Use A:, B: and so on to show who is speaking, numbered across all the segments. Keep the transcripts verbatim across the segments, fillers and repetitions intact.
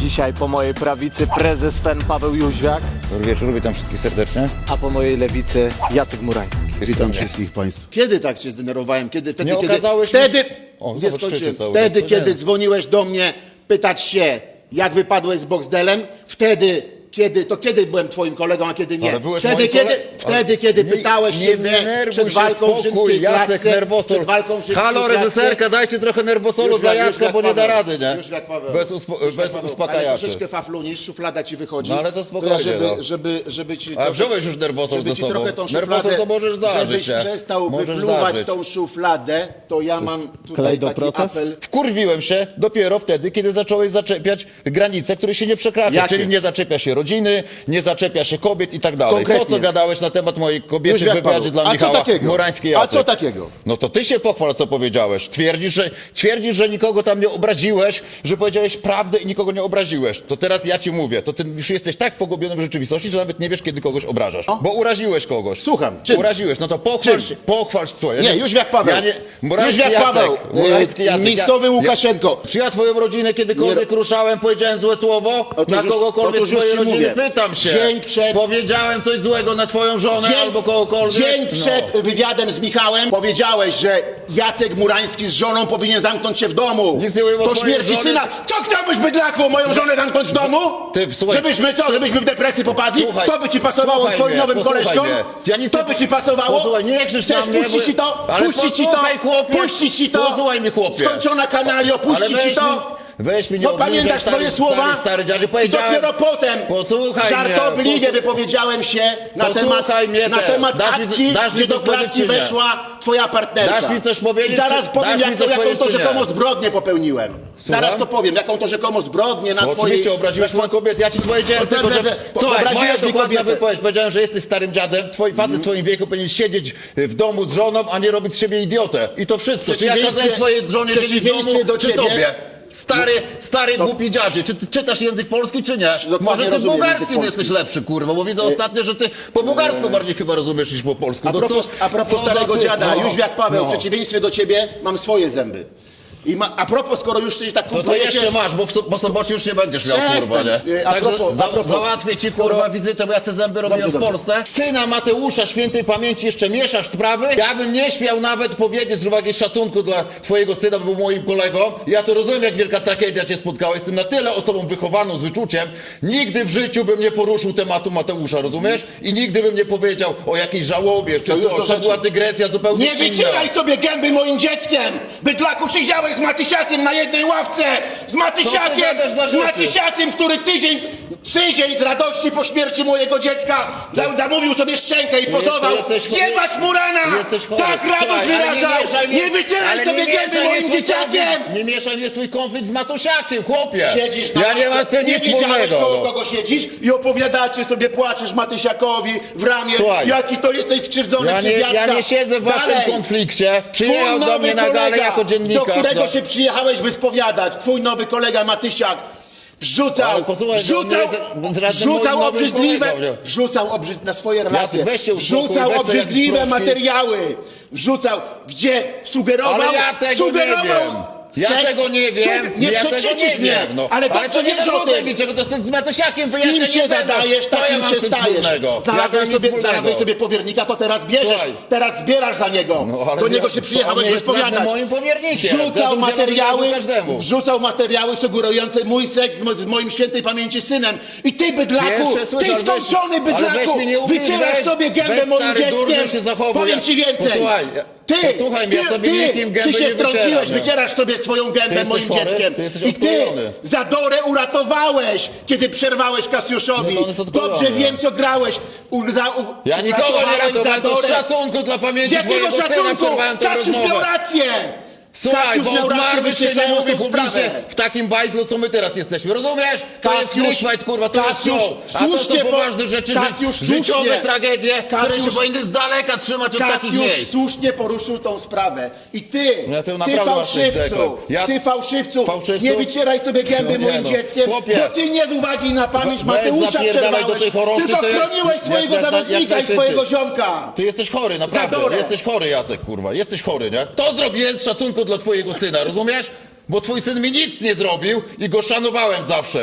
A: Dzisiaj po mojej prawicy prezes F E N Paweł Jóźwiak,
B: Dobry wieczór, witam wszystkich serdecznie.
A: a po mojej lewicy Jacek Murański.
C: Witam wszystkich państwa. Kiedy tak się zdenerwowałem? Kiedy, wtedy,
B: Nie
C: kiedy,
B: okazałeś mi-
C: wtedy,
B: O,
C: nie
B: zobacz,
C: skończyłem.
B: krzyczy cały
C: Wtedy,
B: czas,
C: kiedy
B: nie.
C: dzwoniłeś do mnie pytać się, jak wypadłeś z Boxdelem, wtedy, kiedy, to kiedy byłem twoim kolegą, a kiedy nie.
B: Ale byłeś
C: Wtedy,
B: moim
C: kiedy,
B: kole-
C: wtedy,
B: Ale
C: kiedy
B: nie-
C: pytałeś
B: nie
C: się mnie
B: denerwuj
C: przed
B: się,
C: walką w
B: spokój,
C: rzymskiej
B: Jacek
C: klatce,
B: nerwosol.
C: przed walką w rzymskiej
B: Halo,
C: klatce.
B: reżyserka, dajcie trochę nerwosolu
C: Już
B: dla
C: jak- już
B: Jacka,
C: jak
B: bo nie da
C: Paweł.
B: rady, nie?
C: Już jak Paweł.
B: Bez, uspo-
C: Już jak
B: bez
C: Paweł. Ale
B: uspokajaczy.
C: troszeczkę faflunisz, szuflada ci wychodzi.
B: No ale to spokojnie,
C: ja żeby,
B: no.
C: żeby, żeby ci
B: A
C: trochę-
B: wziąłeś już nerwosol
C: żeby
B: ze
C: ci
B: sobą.
C: trochę tą
B: Nerwosol
C: szufladę,
B: to możesz zażyć,
C: żebyś
B: nie?
C: przestał
B: Możesz
C: wypluwać
B: zażyć.
C: tą szufladę, to ja mam tutaj
A: Klej do
C: taki
A: protez?
C: apel.
B: Wkurwiłem się dopiero wtedy, kiedy zacząłeś zaczepiać granice, które się nie przekracza.
C: Jakie?
B: Czyli nie zaczepia się rodziny, nie zaczepia się kobiet i tak dalej.
C: Konkretnie.
B: Po co gadałeś na temat mojej kobiety
C: Już
B: w
C: jak
B: wywiadzie
C: Paweł.
B: dla
C: A co
B: Michała
C: takiego?
B: Murańskiej?
C: A co takiego?
B: No to ty się pochwal, co powiedziałeś. Twierdzisz, że, twierdzisz, że nikogo tam nie obraziłeś, że powiedziałeś prawdę i nikogo nie obraziłeś. To teraz ja ci mówię, to ty już jesteś tak pogubiony w rzeczywistości, że nawet nie wiesz, kiedy kogoś obrażasz.
C: No.
B: Bo uraziłeś kogoś.
C: Słucham, czym?
B: Uraziłeś, no to pochwal
C: Czym?
B: się, pochwal się. Słuchaj, ja
C: Nie, już jak Paweł.
B: Ja nie,
C: Już
B: Murański
C: jak
B: Jacek,
C: Paweł.
B: Murański
C: E,
B: Jacek.
C: miejscowy
B: Ja-
C: Łukaszenko.
B: Ja, czy ja twoją rodzinę kiedykolwiek
C: Nie-
B: ruszałem, powiedziałem złe słowo?
C: Otóż
B: na
C: już-
B: kogokolwiek
C: otóż już
B: swojej
C: ci
B: rodziny?
C: mówię.
B: Pytam się.
C: Dzień przed-
B: Powiedziałem coś złego na twoją żonę albo kogokolwiek?
C: dzień
B: No.
C: przed wywiadem z Michałem powiedziałeś, że Jacek Murański z żoną powinien zamknąć się w domu.
B: Nic nie mówiłem o
C: Po
B: twojej
C: śmierci
B: żonie.
C: syna. Co chciałbyś, bydlaku, moją żonę zamknąć w domu?
B: Ty, słuchaj.
C: Żebyśmy co, żebyśmy w depresję popadli?
B: Słuchaj,
C: to by ci pasowało
B: słuchaj
C: twoim
B: mnie,
C: nowym
B: posłuchaj
C: koleżkom?
B: mnie. Ja nic
C: to
B: nie-
C: by ci pasowało?
B: Posłuchaj, nie krzycz
C: Chcesz
B: na mnie,
C: puścić
B: bo-
C: ci to?
B: Ale
C: Puścić ci to?
B: posłuchaj, chłopie.
C: Puścić ci to?
B: Posłuchaj mnie, chłopie.
C: Skończona kanalio,
B: Ale
C: puścić ci
B: weź
C: to?
B: mi- Weź mi nie
C: No
B: obniżaj,
C: pamiętasz
B: stary-
C: swoje słowa?
B: Stary, stary dziadzie,
C: I
B: powiedziałem...
C: dopiero potem
B: Posłuchaj
C: żartobliwie
B: mnie,
C: wypowiedziałem się na
B: Posłuchaj
C: temat,
B: mnie
C: na
B: teraz.
C: temat
B: Dasz mi-
C: akcji,
B: dasz mi
C: gdzie do
B: coś powiedzieć,
C: klatki
B: czy nie?
C: weszła twoja partnerka.
B: Dasz mi coś powiedzieć,
C: I zaraz
B: czy-
C: powiem,
B: dasz mi
C: jak to,
B: coś
C: jaką
B: powiedzieć,
C: to
B: czy nie?
C: rzekomo zbrodnię popełniłem. Zaraz to powiem, jaką to rzekomo zbrodnię na
B: Bo
C: twojej...
B: oczywiście obraziłeś
C: na
B: moją kobietę, ja ci powiedziałem
C: No,
B: tylko,
C: te-
B: że...
C: te- te-
B: Słuchaj,
C: obraziłeś
B: moja
C: mi
B: dokładna
C: kobietę.
B: wypowiedź, powiedziałem, że jesteś starym dziadem, twój facet w twoim wieku powinien siedzieć w domu z żoną, a nie robić z siebie idiotę. I to wszystko. Czy ja
C: Przeciwieństwie-
B: kazałem twojej żonie siedzieć w
C: przeciwieństwie
B: domu,
C: do
B: czy
C: ciebie-
B: tobie? Stary, stary głupi dziadzie, czy ty czytasz język polski, czy nie?
C: Dokładnie
B: Może ty
C: rozumiem
B: bułgarskim
C: język
B: jesteś
C: polski.
B: lepszy, kurwa, bo widzę ostatnio, że ty po bułgarsku bardziej chyba rozumiesz niż po polsku.
C: A
B: No
C: propos,
B: co-
C: a propos
B: co za
C: starego
B: ty-
C: dziada,
B: no.
C: już jak Paweł,
B: No.
C: w przeciwieństwie do ciebie mam swoje zęby. I ma, a propos, skoro już coś tak
B: No to
C: kumplujecie...
B: jeszcze masz, bo w so- po sobocie już nie będziesz miał,
C: Przestań.
B: kurwa, nie?
C: Y, a
B: Także
C: propos-
B: za,
C: a propos,
B: załatwię ci,
C: skoro-
B: kurwa, wizytę, bo ja te zęby robiłem
C: Dobrze,
B: w
C: dobrze.
B: Polsce. Syna Mateusza świętej pamięci jeszcze mieszasz sprawy? Ja bym nie śmiał nawet powiedzieć z uwagi szacunku dla twojego syna, bo był moim kolegą. Ja to rozumiem, jak wielka tragedia cię spotkała. Jestem na tyle osobą wychowaną, z wyczuciem. Nigdy w życiu bym nie poruszył tematu Mateusza, rozumiesz? I nigdy bym nie powiedział o jakiejś żałobie, czy
C: To już do
B: coś. To
C: rzeczy.
B: była dygresja zupełnie
C: Nie
B: inna.
C: wycieraj sobie gęby moim dzieckiem! Bydlaku, siedziałeś z Matysiakiem na jednej ławce! Z Matysiakiem!
B: gadasz za
C: Z
B: rzeczy?
C: Matysiakiem, który tydzień, tydzień z radości po śmierci mojego dziecka za- zamówił sobie szczękę i pozował.
B: jesteś chory.
C: Jebać Murana!
B: Jesteś chory.
C: Tak radość
B: Słuchaj, ale
C: wyrażał!
B: mieszaj
C: Nie
B: mnie-
C: wycieraj
B: ale
C: sobie
B: nie
C: gęby
B: mieszaj
C: moim
B: mnie swój
C: dzieciakiem!
B: konflikt- Nie mieszaj mnie swój konflikt z Matusiakiem, chłopie!
C: Siedzisz na
B: Ja nie
C: ławce,
B: mam z tym
C: nie
B: nic
C: wiedziałeś,
B: wspólnego.
C: koło
B: no.
C: kogo siedzisz i opowiadacie sobie, płaczesz Matysiakowi w ramię,
B: Słuchaj.
C: jaki to jesteś skrzywdzony
B: Ja
C: przez
B: nie,
C: Jacka.
B: ja nie siedzę w waszym
C: Dalej.
B: konflikcie. Przyjechał
C: Twój
B: do mnie
C: nowy
B: na galę
C: kolega,
B: jako dziennikarz.
C: do którego
B: no.
C: się przyjechałeś wyspowiadać, twój nowy kolega Matysiak, wrzucał,
B: Ale posłuchaj,
C: wrzucał,
B: on nie jest żadnym
C: wrzucał
B: moim nowym
C: obrzydliwe,
B: kolegą, nie?
C: wrzucał obrzyd, na swoje relacje,
B: weź się uspokój,
C: wrzucał
B: weź sobie
C: obrzydliwe
B: jakiś proszki.
C: materiały, wrzucał, gdzie sugerował,
B: Ale ja tego
C: sugerował,
B: nie wiem. Ja
C: seks,
B: tego nie wiem.
C: sug- nie
B: ja tego
C: przekrzyczysz
B: nie
C: mnie,
B: wiem, no.
C: ale
B: to
C: dobrze
B: nie
C: wiesz o
B: zarzucaj
C: tym.
B: mi czego, to z tym z Matusiakiem
C: Z kim
B: wyjaśnię,
C: się
B: nie będę.
C: zadajesz,
B: Co ja
C: takim
B: mam
C: się
B: z tym
C: stajesz.
B: wspólnego? Ja
C: Znalazłeś
B: mam nic
C: sobie,
B: wspólnego.
C: znalazłeś sobie powiernika, to teraz bierzesz,
B: Słuchaj.
C: teraz zbierasz za niego.
B: No, ale
C: Do
B: nie-
C: niego się
B: to
C: przyjechałeś
B: on nie jest
C: wyspowiadać.
B: żadnym moim powiernikiem.
C: Wrzucał
B: Zresztą
C: materiały,
B: dzielę każdemu.
C: wrzucał materiały sugerujące mój seks z, mo- z moim świętej pamięci synem. I ty, bydlaku,
B: Pierwsze słyszę,
C: ty
B: ale weź-
C: skończony
B: ale weź
C: bydlaku,
B: mnie nie ufnij,
C: wycierasz
B: weź-
C: sobie gębę
B: weź,
C: moim
B: stary, durny
C: dzieckiem.
B: się zachowuj.
C: Powiem ci więcej.
B: Posłuchaj,
C: Ty,
B: posłuchaj mnie,
C: ty,
B: ja sobie
C: ty,
B: nikim gęby
C: ty się
B: nie wycieram,
C: wtrąciłeś,
B: nie?
C: wycierasz sobie swoją gębę
B: jesteś
C: moim
B: chory?
C: dzieckiem.
B: Ty jesteś
C: I ty
B: odklejony.
C: Zadorę uratowałeś, kiedy przerwałeś Kasiuszowi.
B: No to on jest odklejony.
C: Dobrze wiem, co grałeś. U, za, u,
B: Ja nikogo nie
C: uratowałeś
B: ratowałem, to z
C: Zadorę.
B: szacunku dla pamięci
C: Jakiego
B: twojego syna
C: szacunku?
B: przerwałem tę
C: Kasiusz
B: rozmowę.
C: miał rację.
B: Słuchaj,
C: Kasiusz
B: bo
C: miał rację,
B: zmarły się nie
C: wyświetlając
B: mówi
C: tą
B: publicznie
C: sprawę.
B: w takim bajzlu, co my teraz jesteśmy. Rozumiesz? To jest
C: Kasiusz-
B: Christfight, kurwa, to jest
C: Kasiusz,
B: show. A to
C: słusznie
B: są
C: po-
B: poważne rzeczy,
C: Kasiusz,
B: ży- życiowe
C: słusznie.
B: tragedie, które się
C: Kasiusz-
B: powinny z daleka trzymać od takich
C: Kasiusz
B: miejsc.
C: słusznie poruszył tą sprawę. I ty,
B: Ja to
C: ty
B: naprawdę masz coś
C: fałszywcu,
B: tego. Ja-
C: ty fałszywcu,
B: Fałszywcu?
C: nie wycieraj sobie gęby
B: No nie
C: moim
B: no.
C: dzieckiem,
B: Chłopie.
C: bo ty nie z uwagi na pamięć
B: Weź
C: Mateusza
B: zapierdalaj do
C: przerwałeś,
B: tej choroby,
C: tylko
B: to ja-
C: chroniłeś
B: jak-
C: swojego
B: jak- jak
C: zawodnika i
B: najszybciej.
C: swojego ziomka.
B: Ty jesteś chory, naprawdę.
C: Zadorę.
B: Jesteś chory, Jacek, kurwa. Jesteś chory, nie? To zrobiłem z szacunku dla twojego syna, rozumiesz? Bo twój syn mi nic nie zrobił i go szanowałem zawsze.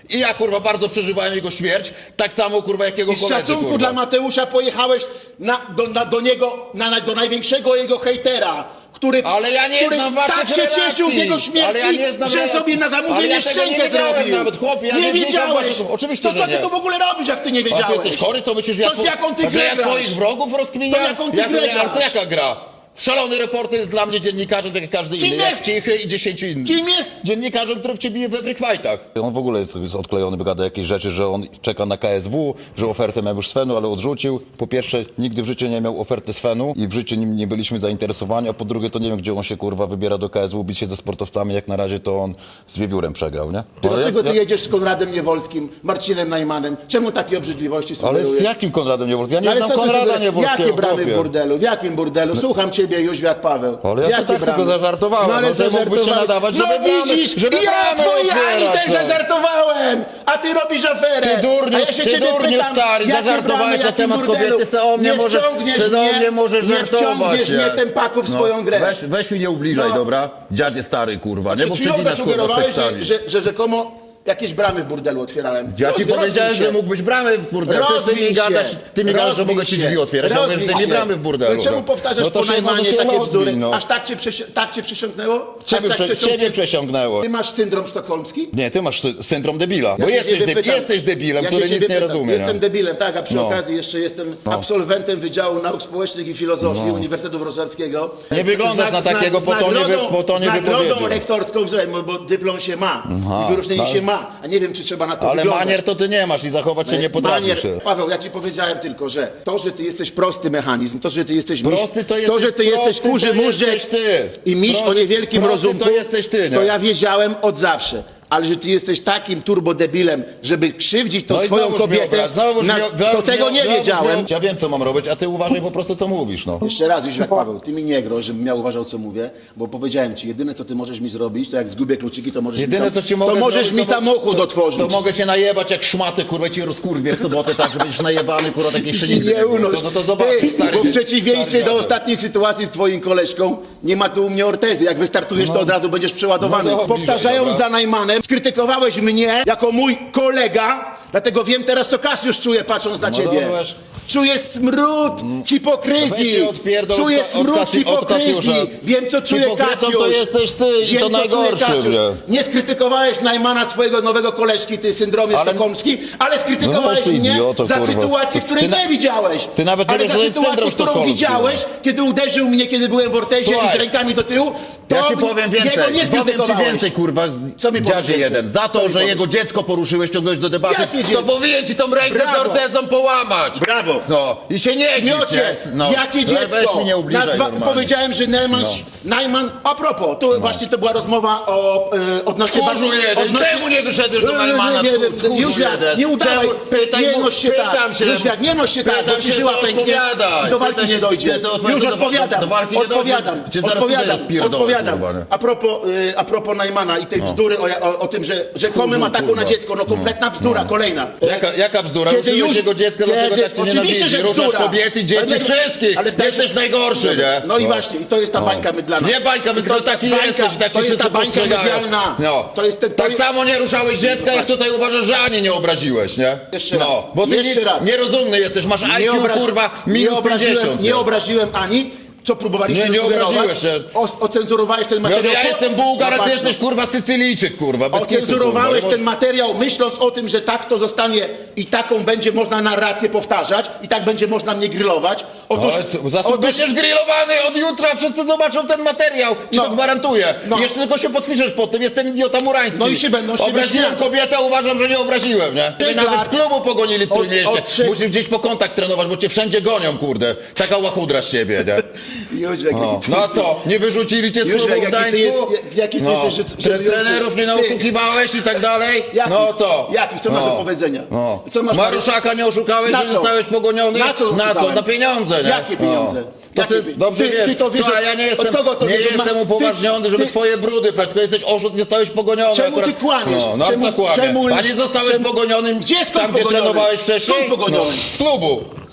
B: I ja, kurwa, bardzo przeżywałem jego śmierć, tak samo, kurwa, jak jego
C: I z
B: koledzy,
C: szacunku
B: kurwa.
C: dla Mateusza pojechałeś na, do, na, do niego, na, na, do największego jego hejtera, który,
B: Ale ja nie
C: który
B: znam waszych
C: tak się
B: relacji.
C: cieszył z jego
B: Ale
C: śmierci,
B: ja nie znam
C: że
B: relacji.
C: sobie na
B: Ale
C: zamówienie
B: ja tego nie
C: szczękę
B: wiedziałem
C: zrobił.
B: nawet, chłopie, ja
C: nie,
B: nie wiedziałem
C: wiedziałeś.
B: waszych- oczywiście,
C: to
B: że
C: co ty
B: nie.
C: tu w ogóle robisz, jak ty nie
B: A ty
C: wiedziałeś?
B: jesteś chory, to myślisz, że ja,
C: To z jaką ty
B: że
C: grę
B: ja
C: grasz?
B: twoich wrogów rozkminiam?
C: To jaką ty
B: Jak-
C: grę
B: ale to
C: grasz?
B: jaka gra? Szalony reporter jest dla mnie dziennikarzem, tak jak każdy
C: Kim
B: inny, jak
C: jest?
B: Cichy i dziesięciu innych.
C: Kim jest?
B: Dziennikarzem, który w ciebie bije we free fightach. On w ogóle jest, jest odklejony, wygada jakieś rzeczy, że on czeka na K S W, że ofertę miał już z Fenu, ale odrzucił. Po pierwsze, nigdy w życiu nie miał oferty z Fenu i w życiu nim nie byliśmy zainteresowani, a po drugie, to nie wiem, gdzie on się, kurwa, wybiera do K S W, bić się ze sportowcami, jak na razie to on z Wiewiórem przegrał, nie?
C: Ty
B: Ale
C: dlaczego
B: ja-
C: ty jedziesz z Konradem Niewolskim, Marcinem Najmanem? Czemu takie obrzydliwości
B: Ale
C: sugerujesz?
B: z jakim Konradem Niewolskim? Ja nie
C: Ale
B: znam
C: co ty
B: Konrada
C: sobie-
B: Niewolskiego.
C: Jakie bramy w
B: chłopie.
C: burdelu? W jakim burdelu? Słucham ciebie, Jóźwiak Paweł.
B: Ale ja
C: Jakie
B: to tak
C: bramy?
B: tylko zażartowałem,
C: No ale
B: no, że mógłbyś się
C: zażartowałem.
B: nadawać,
C: No
B: żeby bramy-
C: widzisz,
B: żeby
C: ja
B: bramy
C: twojej Ani
B: otwierać,
C: też
B: no.
C: zażartowałem, a ty robisz aferę.
B: Ty durniu,
C: a ja się
B: ty
C: ciebie
B: durniu
C: pytam,
B: stary,
C: jakie
B: zażartowałeś
C: bramy,
B: na
C: jakim
B: temat
C: burdelu?
B: kobiety, se o mnie
C: nie
B: możesz-
C: wciągniesz
B: se do
C: mnie,
B: mnie możesz
C: nie
B: żartować,
C: wciągniesz
B: nie?
C: mnie tempaku w swoją grę.
B: Weź, weź mi nie ubliżaj,
C: No.
B: dobra? Dziadzie stary, kurwa, nie?
C: Przed
B: Bo
C: chwilą
B: przecinasz, kurwa, z
C: zasugerowałeś,
B: tekstami.
C: że, że, że rzekomo jakieś bramy w burdelu otwierałem.
B: Ja ci
C: Rozwij
B: powiedziałem,
C: się.
B: że mógłbyś bramy w burdelu. Ty, ty
C: Rozwij
B: mi gadasz,
C: się.
B: ty mi gadasz, że
C: Rozwij
B: mogę ci
C: się.
B: drzwi otwierać. Ja mówię, że
C: Rozwij
B: ty nie
C: się.
B: bramy w burdelu.
C: No czemu
B: no.
C: powtarzasz
B: No to
C: po
B: się może
C: Najmanie
B: się
C: takie
B: rozwij,
C: bzdury?
B: no.
C: Aż tak cię, przesi- tak cię przysiągnęło? Aż
B: Ciebie,
C: tak
B: prze,
C: przesiąknie-
B: ciebie przesiągnęło.
C: Ty masz syndrom sztokholmski?
B: Nie, ty masz sy- syndrom debila.
C: Ja
B: Bo
C: się
B: jesteś,
C: ciebie
B: debi-
C: pytam.
B: jesteś debilem,
C: Ja się
B: który
C: ciebie
B: nic nie
C: pytam.
B: rozumie.
C: Jestem
B: nie?
C: debilem, tak, a przy
B: No.
C: okazji jeszcze jestem absolwentem Wydziału Nauk Społecznych i Filozofii Uniwersytetu Wrocławskiego.
B: Nie
C: Z-
B: wyglądasz
C: z-
B: na
C: z-
B: takiego,
C: z
B: po to nie wy-
C: nagrodą-
B: po to nie
C: Z nagrodą
B: wypowiedział.
C: rektorską, że- bo, bo dyplom się ma i wyróżnienie
B: tak.
C: się ma, a nie wiem, czy trzeba na to
B: Ale
C: wyglądać.
B: manier to ty nie masz i zachować się nie potrafisz.
C: Manier, Paweł, ja ci powiedziałem tylko, że to, że ty jesteś prosty mechanizm, to, że ty jesteś miś,
B: Prosty to
C: to,
B: jesteś-
C: że ty jesteś
B: prosty
C: kurzy
B: to
C: móżdżek
B: jesteś ty.
C: i miś
B: Prosty-
C: o niewielkim
B: prosty
C: rozumku,
B: to jesteś ty, nie?
C: to ja wiedziałem od zawsze. Ale że ty jesteś takim turbodebilem, żeby krzywdzić tą
B: No i
C: swoją
B: znowuż mnie
C: kobietę,
B: obraż, znowuż
C: na,
B: mnie-
C: to
B: znowuż
C: tego
B: mnie-
C: nie
B: znowuż
C: wiedziałem.
B: mnie- Ja wiem, co mam robić, a ty uważaj po prostu, co mówisz, no.
C: Jeszcze raz, Jóźwiak Paweł, ty mi nie groź, żebym ja uważał, co mówię, bo powiedziałem ci, jedyne, co ty możesz mi zrobić, to jak zgubię kluczyki, to możesz
B: Jedyne,
C: mi,
B: co
C: sam,
B: ci mogę
C: to możesz
B: zrobić,
C: mi
B: to mo-
C: samochód otworzyć.
B: To mogę cię najebać jak szmatę, kurwa, cię rozkurwię w sobotę, tak, że będziesz najebany, kurwa, tak
C: Ty
B: jeszcze
C: się
B: nigdy
C: nie
B: było.
C: unoś.
B: No to zobaczysz,
C: Ty,
B: stary.
C: bo w przeciwieństwie
B: stary
C: do
B: dziadek.
C: ostatniej sytuacji z twoim koleżką, nie ma tu u mnie ortezy. Jak wystartujesz, to od razu będziesz przeładowany.
B: No dobra,
C: Powtarzając
B: dobra.
C: za Najmanem, skrytykowałeś mnie jako mój kolega, dlatego wiem teraz, co Kasiusz czuje, patrząc na
B: No
C: ciebie.
B: dobra.
C: Czuję smród
B: Weź
C: hipokryzji.
B: się odpierdol
C: Czuję
B: od- od
C: smród
B: Kasi- od
C: hipokryzji.
B: Kasiusza.
C: Wiem, co czuje
B: Hipokrytą
C: Kasiusz.
B: to jesteś ty i
C: Wiem,
B: to
C: co czuje
B: najgorszy,
C: Kasiusz.
B: nie?
C: Nie skrytykowałeś Najmana, swojego nowego koleżki, ty syndromie
B: Ale-
C: sztokholmski, ale skrytykowałeś
B: No, ty
C: mnie
B: idioto,
C: za
B: kurwa.
C: sytuację,
B: Ty-
C: której
B: ty na-
C: nie widziałeś.
B: ty nawet nie
C: ale
B: wiesz,
C: za
B: że jest
C: sytuację,
B: syndrom
C: którą
B: sztokholmski.
C: widziałeś, kiedy uderzył mnie, kiedy byłem w ortezie
B: Słuchaj.
C: i z rękami do tyłu, to
B: Ja ci powiem więcej,
C: jego nie
B: powiem ci
C: skrytykowałeś.
B: więcej, kurwa,
C: Co mi powiesz
B: dziadzie
C: więcej?
B: jeden. Za
C: Co
B: to,
C: mi
B: że
C: powiesz?
B: jego dziecko poruszyłeś, ciągnąłeś do debaty,
C: Jakie
B: to
C: dziecko?
B: powinien ci tą rękę
C: Brawo.
B: z ortezą połamać.
C: Brawo.
B: No, i się nie gdzieś,
C: Miocie,
B: nie? No.
C: jakie
B: Ale
C: dziecko?
B: Weź mi nie ubliżaj
C: Nazwa,
B: normalnie.
C: powiedziałem, że Najman,
B: No.
C: Najman, a propos, tu właśnie to była rozmowa o e, odnośnie...
B: Tchórzu jeden,
C: odnośnie-
B: czemu nie doszedłeś do
C: Nie,
B: Najmana?
C: nie, nie,
B: Tchórzu
C: nie, Jóźwiak,
B: jeden.
C: nie udawaj,
B: Czemu? Pytaj
C: nie
B: mu-
C: noś się tak,
B: pytam się.
C: Jóźwiak, nie noś się tak,
B: Pytam
C: bo ci
B: się,
C: żyła
B: to
C: pęknie,
B: odpowiadaj.
C: do walki
B: Pytaj
C: nie
B: się-
C: dojdzie.
B: nie, to odpowiadaj,
C: Już
B: do-
C: odpowiadam,
B: do walki nie dojdzie.
C: odpowiadam,
B: Cię zaraz
C: odpowiadam,
B: tutaj rozpierdolę,
C: odpowiadam.
B: kurwa, nie?
C: A propos, y, a propos Najmana i tej bzdury o, o, o tym, że rzekomym
B: Kurwa,
C: ataku
B: kurwa.
C: na dziecko, no kompletna bzdura, kolejna.
B: Jaka, jaka bzdura?
C: Kiedy
B: Ruszyłeś
C: już-
B: jego dziecko, dlatego
C: kiedy-
B: tak cię
C: oczywiście,
B: nienawidzi.
C: że
B: Ruszasz
C: bzdura.
B: kobiety, dzieci,
C: Ale-
B: wszystkich.
C: ale tak-
B: Jesteś najgorszy, nie?
C: No i właśnie, i to jest ta bańka mydlana.
B: Nie bańka, tylko taki
C: Bańka,
B: jesteś, taki
C: to jest ta
B: wszyscy
C: bańka
B: postrzegają.
C: medialna.
B: No.
C: To jest ten- to
B: tak
C: jest-
B: samo nie ruszałeś dziecka, jak tutaj uważasz, że ani nie obraziłeś, nie?
C: Jeszcze
B: no.
C: raz,
B: Bo ty
C: jeszcze
B: nie,
C: raz.
B: nierozumny jesteś, masz I Q,
C: obrazi-
B: kurwa,
C: nie
B: minus
C: obraziłem,
B: pięćdziesiąt.
C: nie obraziłem ani, co próbowaliście
B: Nie, nie
C: sugerować.
B: obraziłeś się.
C: O, ocenzurowałeś ten
B: No, że
C: materiał.
B: ja jestem Bułgar, a ty
C: Patrz,
B: jesteś, kurwa, Sycylijczyk, kurwa, bez kitu,
C: Ocenzurowałeś
B: kurwa.
C: ten materiał, myśląc o tym, że tak to zostanie i taką będzie można narrację powtarzać i tak będzie można mnie grillować. Otóż,
B: Ale co, zasób,
C: otóż
B: będziesz grillowany od jutra, wszyscy zobaczą ten materiał, ci
C: No.
B: to gwarantuję.
C: No.
B: Jeszcze tylko się podpiszesz pod tym, jestem idiota murański.
C: No i się będą z ciebie
B: Obraziłem
C: śmiać.
B: kobietę, uważam, że nie obraziłem, nie? Mnie
C: Trzech
B: nawet
C: lat.
B: z klubu pogonili w
C: Od-
B: Trójmieście.
C: od trzech-
B: Musisz gdzieś po kontakt trenować, bo cię wszędzie gonią, kurde. Taka łachudra z ciebie, nie?
C: Jóźwiak,
B: No,
C: jaki ty
B: no a
C: jesteś-
B: co, nie wyrzucili cię z
C: Jóźwiak,
B: klubu w
C: jaki ty
B: Gdańsku?
C: jest- jaki ty
B: no.
C: jesteś
B: Tre-
C: żenujący.
B: Trenerów nie
C: Ty.
B: oszukiwałeś i tak dalej?
C: Jaki?
B: No co?
C: Jaki? Co masz
B: no.
C: do powiedzenia?
B: No.
C: Co masz
B: Maruszaka nie oszukałeś,
C: Na
B: że
C: co?
B: zostałeś pogoniony?
C: Na co
B: Na co?
C: oszukałem?
B: Na pieniądze, nie?
C: Jakie pieniądze?
B: No. To
C: Jakie
B: ty,
C: pi-
B: dobrze
C: ty-
B: wiesz,
C: ty to wiesz,
B: Słuchaj,
C: od-
B: ja nie
C: od
B: jestem,
C: kogo to
B: nie
C: wiesz, że
B: jestem
C: ma-
B: upoważniony,
C: ty-
B: żeby
C: ty-
B: twoje brudy prać, tylko jesteś oszust, nie zostałeś pogoniony.
C: Czemu
B: akurat.
C: ty kłamiesz?
B: No, no
C: Czemu-
B: co kłamie?
C: czemu-
B: A nie zostałeś
C: czemu-
B: pogonionym
C: Gdzie, skąd
B: tam, gdzie
C: pogoniony?
B: trenowałeś wcześniej?
C: Skąd pogoniony?
B: No, z klubu.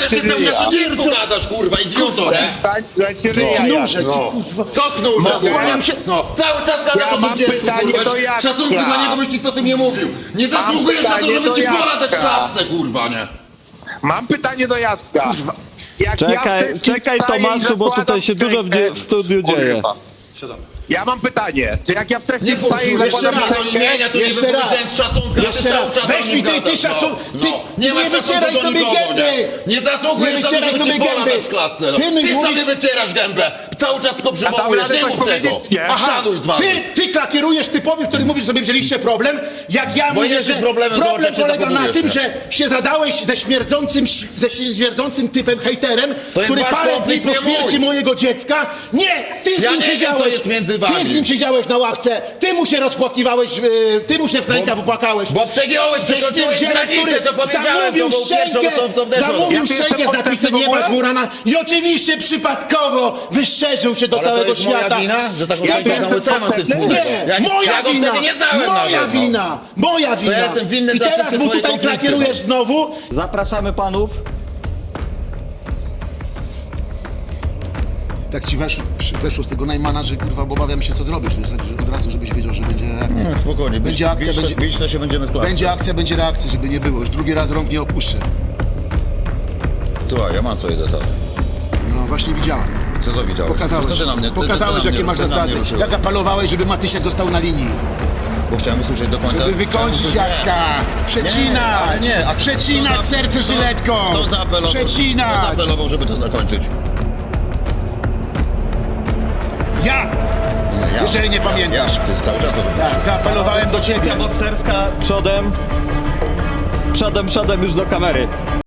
B: jeszcze cały
D: ryja.
B: czas o dziecku gadasz, kurwa, idioto, nie?
D: Stań, słuchajcie, ryja
C: Knurze,
D: jasno.
C: ty kurwa.
B: Co knurze,
C: Zasłaniam się-
B: No, cały czas gadasz
D: Ja
B: o
D: mam
B: tym dziecku,
D: pytanie
B: kurwa.
D: do Jacka.
B: Szacunku dla niego byś ci co ty nie mówił. Nie zasługujesz na to,
D: pytanie
B: żeby
D: do
B: ci
D: Jacka.
B: poradać w klapce, kurwa, nie?
D: Mam pytanie do Jacka.
C: Kurwa.
D: Jak
A: Czekaj,
D: wcześniej
A: czekaj,
D: wstaję i
A: Tomaszu, bo
D: zakładam
A: tutaj się dużo w dzie-
D: szczękę-
A: w studiu dzieje.
D: Kurwa. Ja mam pytanie, czy jak ja wcześniej
B: Nie
D: wstaję i
B: kurwa,
C: jeszcze
D: zakładam
C: raz.
B: to
D: szczękę,
B: imienia, to nie
C: Jeszcze raz.
B: wypowiedziałem z szacunku, a ty
C: Jeszcze
B: cały
C: raz.
B: czas
C: Weź
B: o
C: mi
B: nim
C: ty, ty
B: gadasz,
C: szacun-
B: no.
C: ty-
B: No.
C: ty nie
B: masz szacunku
C: wycieraj
B: do
C: sobie
B: nikogo,
C: gęby.
B: Nie, nie zasługujesz
C: Nie
B: na to,
C: wycieraj
B: żeby
C: sobie
B: ci pola
C: gęby.
B: dać w klatce. No.
C: Ty
B: Ty,
C: mi
B: sobie
C: mówisz-
B: wycierasz gębę. Cały czas tylko
D: A
B: przywołujesz,
D: tam
B: nie
D: radę
B: mów
D: coś
B: tego.
D: powiedzieć, nie?
C: Aha,
B: Szanuj z wami.
C: ty, ty klakierujesz typowi, który mówisz, że mieliście problem, jak ja
B: Bo
C: mówię,
B: jesteś
C: że
B: problemem, zobacz,
C: problem
B: jak się
C: polega na
B: zachowujesz,
C: tym,
B: nie?
C: że się zadałeś ze śmierdzącym, ze śmierdzącym typem hejterem,
B: To jest
C: który
B: wasz
C: parę dni
B: konflikt,
C: po
B: nie
C: śmierci
B: mój.
C: mojego dziecka, nie, ty z
B: Ja
C: nim
B: nie wiem,
C: siedziałeś,
B: co jest między
C: ty
B: wami.
C: z nim siedziałeś na ławce, ty mu się rozpłakiwałeś, yy, ty mu się w rękaw wypłakałeś.
B: Bo przegiąłeś,
C: Ze
B: przekroczyłeś
C: śmierdzielem,
B: granicę,
C: który
B: to powiedziałem,
C: zamówił
B: to był pierwszy
C: szczękę,
B: osobą, co wdeszło.
C: zamówił
D: Ja tu
C: szczękę z
D: jestem
C: napisem
D: w
C: nieba
D: ogóle?
C: z Murana i oczywiście przypadkowo wyszerzył się do
B: Ale to
C: całego
B: jest moja
C: świata.
B: wina, że taką
C: Z
B: szczękę
C: typem-
B: zamówił? Co ja mam z tym wspólnego?
C: Nie,
B: Ja nie-
C: moja
B: ja go
C: wina,
B: wtedy nie znałem
C: moja
B: nawet, no.
C: wina, moja wina.
B: ja jestem winny
C: I
B: za
C: teraz
B: wszystkie
C: mu
B: twoje
C: tutaj
B: konflikty,
C: klakierujesz
B: no.
C: znowu.
A: Zapraszamy panów.
C: Tak ci weszło, weszło z tego Najmana, że kurwa, bo obawiam się co zrobić, wiesz, tak, że od razu, żebyś wiedział, że będzie reakcja.
B: No, spokojnie,
C: Będzie akcja,
B: bić,
C: będzie-
B: bić to się będziemy w klatce.
C: Będzie akcja, będzie reakcja, żeby nie było. Już drugi raz rąk nie opuszczę.
B: Słuchaj, ja mam swoje zasady.
C: No właśnie widziałem.
B: Co to widziałeś?
C: Pokazałeś,
B: Przecież ty na mnie, ty,
C: pokazałeś
B: ty, ty na
C: jakie
B: mnie,
C: masz
B: ty na
C: zasady.
B: mnie ruszyłeś.
C: Jak apelowałeś, żeby Matysiak został na linii.
B: Bo chciałem usłyszeć do końca.
C: Żeby wykończyć
B: chciałem usłyszeć-
C: Jacka.
B: Nie,
C: Przecinać.
B: ale nie, a
C: Przecinać
B: kto za-
C: serce
B: kto-
C: żyletką.
B: Kto zaapelował?
C: Przecinać.
B: Kto zaapelował, żeby to zakończyć?
C: Ja!
B: Nie, ja.
C: Jeżeli nie
B: Ja,
C: pamiętasz.
B: Ja, ty cały czas o tym
C: Tak, zaapelowałem do ciebie.
A: Bokserska przodem. Przodem, przodem już do kamery.